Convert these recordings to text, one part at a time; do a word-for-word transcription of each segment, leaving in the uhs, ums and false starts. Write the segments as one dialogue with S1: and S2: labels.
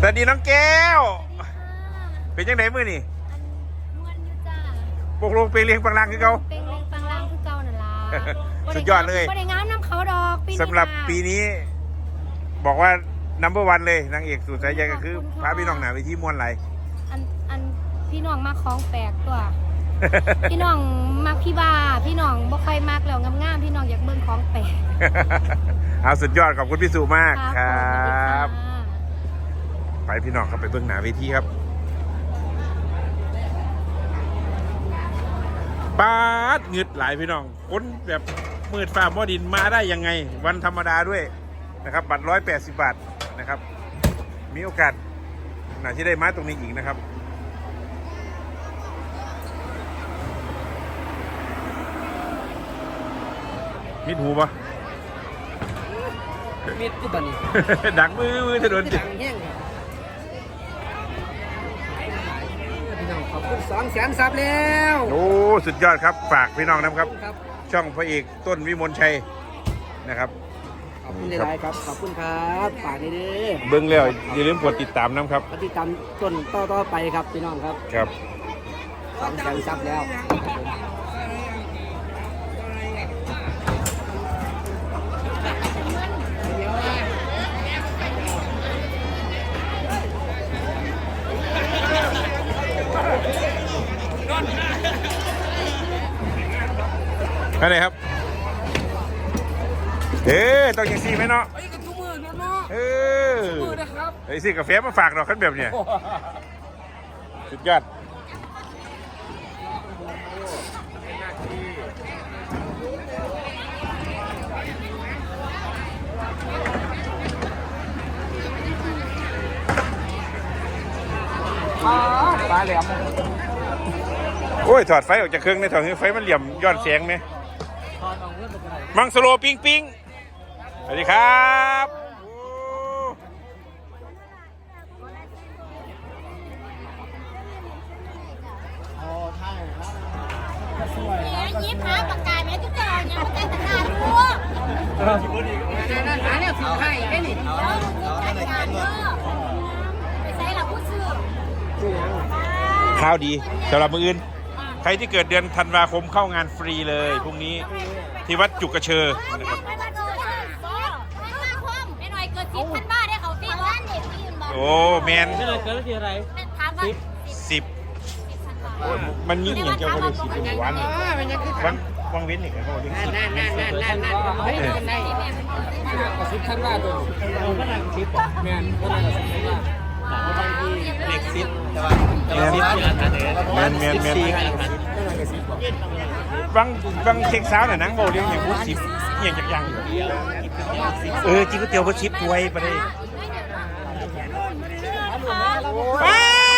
S1: วัสดีน้องแก้วเป็นยังไงมือนี่
S2: ม้วนอยู่จ้า
S1: ปกลงไปเลี้ยงปังลังคือเขา
S2: เป็นเลี้ยงปังลังคือเก่านั่นล่ะ
S1: สุดยอดเลย
S2: บ่ได้งามน้ำเขาดอก
S1: สำหรับปีนี้บอกว่านัมเบอร์วันเลยนางเอกสุดสายใยก็คือพระพี่น้องหนาไปที่ม้วนไหล
S2: อันอันพี่น้องมาของแปลกตัว พี่น้องมักพี่บ้าพี่น้องบ่ค่อยมักแล้วงามๆพี่น้องอยากเบิ่งของแปลก
S1: เอาสุดยอดขอบคุณพี่สุมากครับไปพี่น้องครับไปเบื้องหน้าเวทีครับปาดเงืดหลายพี่น้องคนแบบมืดฟ้าหม้อดินมาได้ยังไงวันธรรมดาด้วยนะครับบัตรร้อยแปดสิบบาทนะครับมีโอกาสหน่าที่ได้มาตรงนี้อีกนะครับมิดหูปะ
S3: มิดที่บ้านนี่
S1: ดังมือมือถนน
S3: ดังแห้งพี่น้องขอบคุณสองแสนซับแล้ว
S1: โอ้สุดยอดครับฝากพี่น้องนะครับช่องพระเอกต้นวิมลชัยนะครับ
S3: ขอบคุณหลายๆครับขอบคุณครับฝากนี่เด้อ
S1: เบิ้งแล้วอย่าลืมกดติดตามนะครับ
S3: ติดตามต้นต่อๆไปครับพี่น้องครับ
S1: ครับ
S3: สองแสนซับแล้ว
S1: อะไรครับเอ๊ต้องยังซีไหมเนาะ
S3: ไอ้กระตุ้มือเนาะ
S1: เออ
S3: มือนะครับ
S1: ไอ้ซีกาแฟมาฝากเราขั้นแบบเนี้ยสุดยอด
S3: ปลาแหลม
S1: โอ้ยถอดไฟออกจากเครื่องในถอดไฟมันเหลี่ยมย้อนแสงไหมมังสโลปิงปิงสวัสดีครับ
S2: ยิ้มหาปากกาแม่ทุกคนเนี่ยปากกาตะการดู
S3: หาเนี่ยสีไข่แค่นี้
S2: ไปใส่หลักผู้ซื้อ
S1: ข้าวดีสำหรับมืออื่นใครที่เกิดเดือนธันวาคมเข้างานฟรีเลยพรุ่งนี้ที่วัดจุกกระเชอนะครับโอ้แมน
S3: เกิดที่อะไร
S1: สิบมันยิ่งอย่างเจ้าก็เลยสิบเป็นวันวันวังเว้นอีกแล้วก็เรียกสิบ
S3: นั่นนั่นนั่นนั่นนั่นเฮ้ยเป็นไงกระซิบท่านว่าตัวเราก็นั่งซิบแมนก็นั่งซิบว่าเด็กซิบแต่ว่า
S1: แมนแมนแมนบางบางเช็คสาวน่ะนังโบเลี้ยงอย่างพูดสิบอย่างจักยังอยู่เออจิ้งก๋วยเตี๋ยวก็ชิปถ้วยไปเลยป้า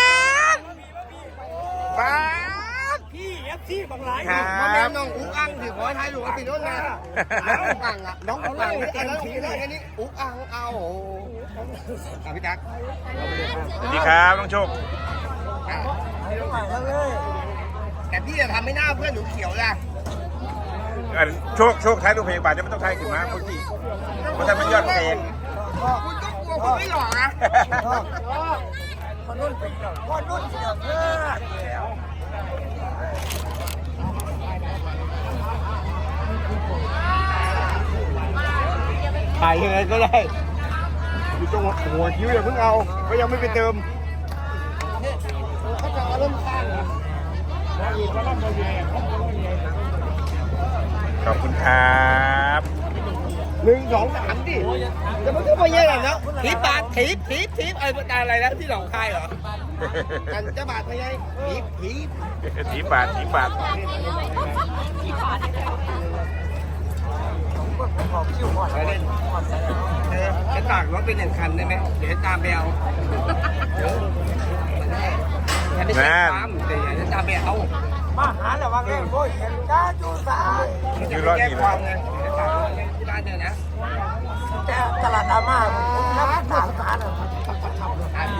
S1: ป้า
S3: พี่เอฟซีบางหลาย
S1: มาแม่
S3: น้องอุ๊กอังถือขอไทยหลวงติดรถนะน้องอุ๊กอังอ่ะน้องอุ๊กอังไอ้น้องอุ๊กอังอันนี้อุ๊กอังเอาโอ้พี่จัก
S1: สวัสดีครับน้องโชค
S3: แต่พี่จะทำไม่น่าเพื่อนหนูเขียวล่ะ
S1: โชคโชคท้ายรูปเพลงบาทจะไม่ต้องท้ายขึ้นมาเพราะที่เพราะถ้ามันยอดเพลง
S3: คุณก็กลัวคุณไม่หลอกนะคนรุ่นเป็นคนรุ่นเสียเพื่อนถ่ายยังไงก็ได้อยู่ตรงหัวคิ้วอย่าเพิ่งเอาก็ยังไม่ไปเติมเขาจะเริ่มข้างนะ
S1: ขอบคุณครับ
S3: หนึ่งสองสามดิจะมันก็ไปเยอะแล้วเนาะทีบาททีบทีบทีบไอ้ประการอะไรแล้วที่หนองคายเหรอกันจะบาทไปยังทีบทีบ
S1: ทีบาททีบาท
S3: ขอคิวก่อนไปเล่นเออจะตากรถเป็นหนึ่งคันได้ไหมเดี๋ยวตามไปเอาแม่เดี๋ยวจะตามไปเอามาหาแล้วว่าไงโอ้ยเห็นจ้าจูสา
S1: คือรอดนี่เลย
S3: ที่บ้านเนี่ยนะแต่ตลาดอาม่าน้ำตาลสารอ่ะดี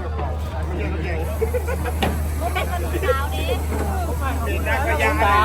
S3: ไม่เป็นคนสาวดิเป็นนักยาสาว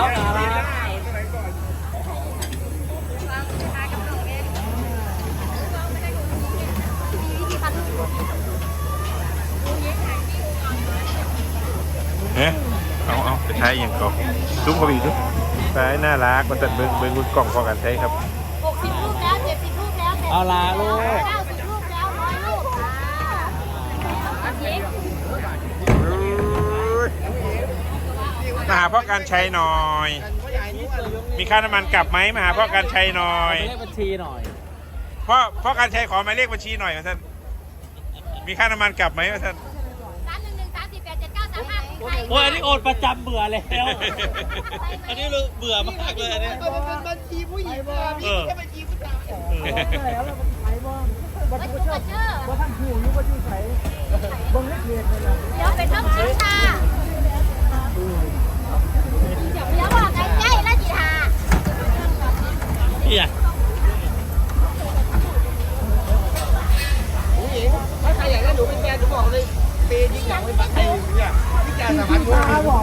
S1: เฮ้ยเอาเอาไปใช้ยังก่อนซุ้มเขาอีกด้วยใช้น่ารักมันตัดเบิ้งเบิ้งรุ่นกล่องพอกันใช้ครับ
S2: หกสิบรูปแล้วเจ็ดสิบรูปแล้ว
S3: เอาลาลูก
S2: เก้าสิบรูปแล้วร้อยรูปค่ะอาทิตย์
S1: มาหาพ่อการใช้หน่อย มีค่าน้ำมันกลับไหมมาหาพ่อการใช้หน่อย
S3: เลขบัญชีหน่อย
S1: พ่อพ่อการใช้ขอหมายเลขบัญชีหน่อยท่านมีค่าน้ำมันกลับไหมท่าน
S2: สามหนึ่งหนึ่งสามสี่แปดเจ็ดเก้าสามห้า
S3: โอ้ยอันนี้โอนประจำเบื่อแล้ว อันนี้เบื่อมากเลยอันนี้
S4: มันเป็นบัญชีผู้หญิงอะมีแค่บัญชีผู้ชาย
S2: แล้วเราไปบ้างวัตถุกระเจอว่าท่านผู้อยู่ว่าที่ใส่บงเล็กเล็กเลยเดี๋ยวไปท่องชิงชาเดี๋ยวบอกใกล้ๆแล้วจีทา
S3: พี่อะ
S4: ผู้หญิงถ้าใครอยากได้หนูเป็นแฟนหนูบอกเลยเปย์ยิ่งอยากไว้บัตรไทยเนี่ยพี่แจสามพันด้วยบอก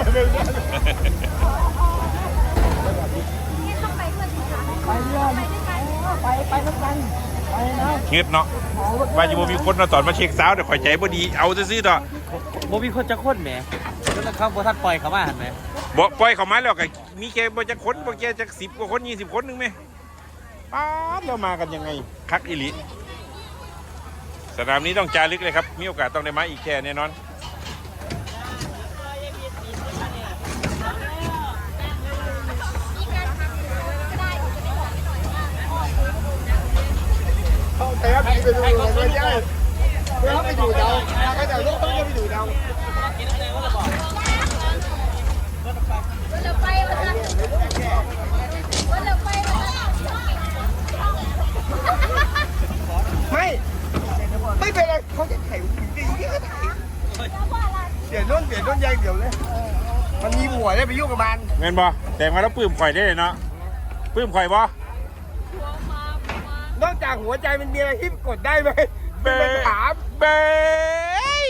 S2: ต้องไปเพื่อนจีทาไปเรื่อยไปด้วยกันไปไปด้วยกันไปนะ
S1: เฮ็ดเนาะว่าจะบ่มีคนมาตอนมาเช็คสาวเดี๋ยวข่อยใจบ่ดีเอาซื่อๆต่อ
S3: โมมีคนจะค้นแหมแล้วเขาโบทัดปล่อยเขามาหันไหม
S1: บ่ปล่อยเข้ามาแล้วก็มีแค่บ่จักคนบ่แค่จักสิบกว่าคนยี่สิบคนนึงแม่ป๊าดแล้วมากันยังไงคักอีหลีสนามนี้ต้องจารึกเลยครับมีโอกาสต้องได้มาอีกแค่แน่นอน
S4: เขาแต่ว่าพี่ไปดูเลยไม่ได้เพื่อไปอยู่เดาเขาจะลูกเขาจะไปอยู่เดา
S2: เราไปวันละวันละไปวันละ
S4: ไม่ไม่เป็นไรเขาจะถ่ายดีที่เขาถ่ายเสียน้นเสียน้นยายเดี๋ยวเลยมันมีหัวได้ไปยุ่งกับมัน
S1: แม่นบ่แต่มาแล้วปลื้มข่อยได้เลยเนาะปลื้มข่อยบ่
S4: นอกจากหัวใจมันมีอะไรที่กดได้ไหมเป็นถาม
S1: เบย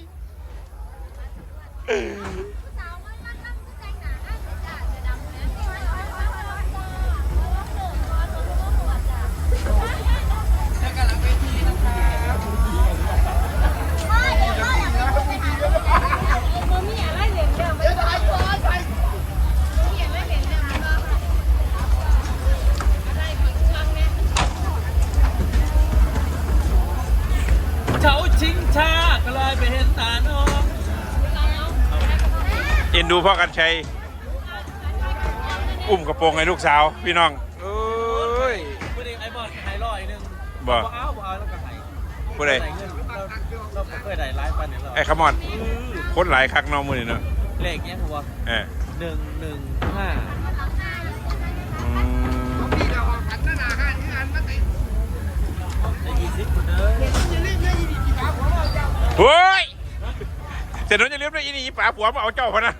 S2: สาวมันมันมันแต่งหนาหน้าจะจะดำเนี่ยมือมีอะไรเหลี่ยมเดิมไม่ได้ตัวใส่มีอะไรเหลี่ยมเดิมก็อะไรของช่างเนี่ย
S3: เฉาชิงชาก็เลยไปเห็นตาน้อง
S1: เอ็นดูพ่อกันชัยอุ้มกระโปรงให้ลูกสาวพี่น้องเอ้ย
S3: ผู้เด็กไอ้บอลไฮร้อยนึง
S1: บ่
S3: เอาบ่เอาแล้วก็ไฮ
S1: ผู้ใด
S3: เงินเราเราเคยได้ไลฟ์ปันเนี่ยเรา
S1: ไอ้ขมอดคนหลายคักน้องมือนี่เนาะ
S3: เลขเนี้ยผมว่า
S1: เออ
S3: หนึ่งหนึ่งห้า
S1: อืม
S4: พี่เราหันหน้าหน้าห้าที่อันมาติด
S3: ได้ยี่สิบคนเด้อ
S4: จะรีบเลยอีกกี่ครับผมเอาเจ้า
S1: เฮ้ยเสร็จแล้วจะเรียบร้อยอีนี่ป๋าผัวมาเอาเจ้าพะนะ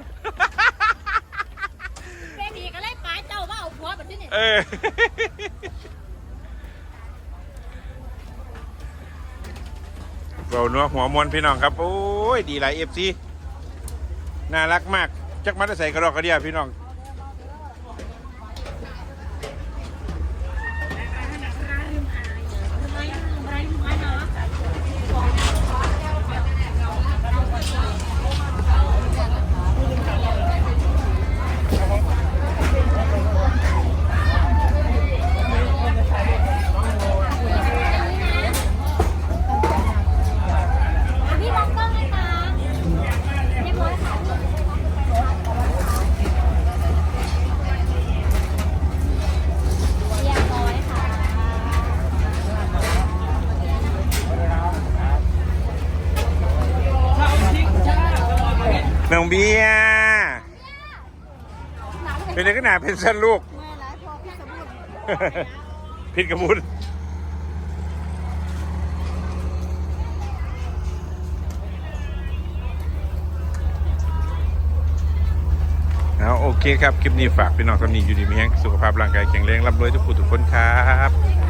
S2: เบบีก็เลยป้าเจ้าว่าเอาผัวแบบนี้เนี่ย
S1: เออเราเนื้อหัวมวนพี่น้องครับโอ้ยดีหลายเอฟซีน่ารักมากจักมัดใส่กระดอกกระเดียพี่น้องน้องเบียร์เป็นเด็กหนาเป็นสั้นลูก พิษกระบุนเอาโอเคครับ คลิปนี้ฝากพี่น้องสำนีอยู่ดีมีแห้งสุขภาพร่างกายแข็งแรงร่ำรวยทุกผู้ทุกคนครับ